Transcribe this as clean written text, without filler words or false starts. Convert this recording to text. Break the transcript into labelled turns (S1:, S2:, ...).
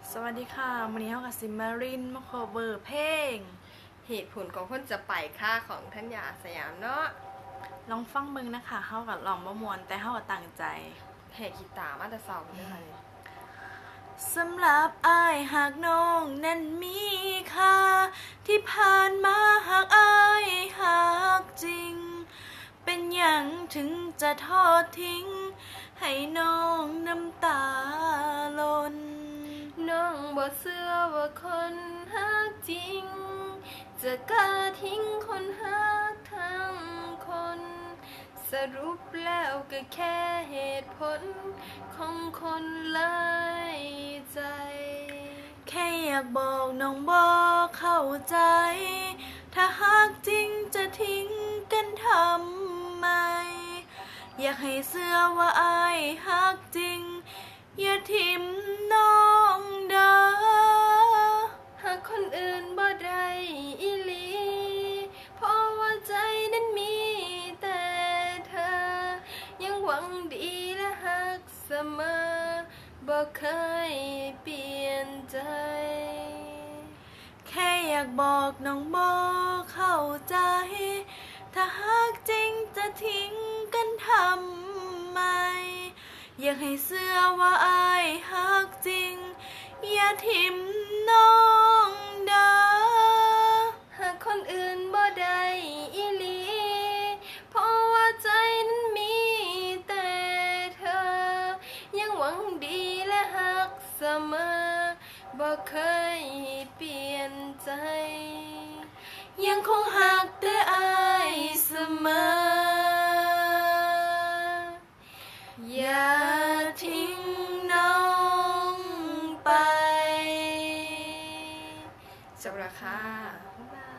S1: สวัสดีค่ะวันนี้เฮากับซิมมารินมาขอเบอร์เพลง
S2: เหตุผลของคนจะไปค่าของท่านยาสยามเนาะ
S1: ลองฟังเบิ่งนะคะเฮากับลองบ่มวนแต่เฮาก็ตั้งใจ
S2: แหกกีตาร์มาแต่เสาเลยค่ะเนี่ย
S1: สำหรับอ้ายหากน้องนั้นมีค่าที่ผ่านมาหากอ้ายหากจริงเป็นหยังถึงจะทอดทิ้งให้น้องน้ำตาล้น
S2: น้องบ่เชื่อว่าคนฮักจริงจะกล้าทิ้งคนฮักทั้งคนสรุปแล้วก็แค่เหตุผลของคนหลายใจ
S1: แค่อยากบอกน้องบอกเข้าใจ ถ้าหากจริงจะทิ้งกันทำไม อยากให้เชื่อว่าอายหักจริง อย่าทิมน้องเด้อ
S2: หากคนอื่นบ่ได้อีหลีเพราะว่าใจนั้นมีแต่เธอยังหวังดีและหักเสมอบ่เคยเปลี่ยนใจ
S1: แค่อยากบอกน้องบอกเข้าใจ ถ้าหากจริงจะทิ้งกันทำไม อยากให้เชื่อว่าอายหักจริง อย่าทิมน้องเด้อ
S2: หากคนอื่นบ่ได้อีหลีเพราะว่าใจนั้นมีแต่เธอยังหวังดีและหักเสมอบ่เคยเปลี่ยนใจ
S1: ยังคงหักแต่อายเสมออย่าทิ้งน้องไป
S2: จบแล้วค่ะบ๊ายบาย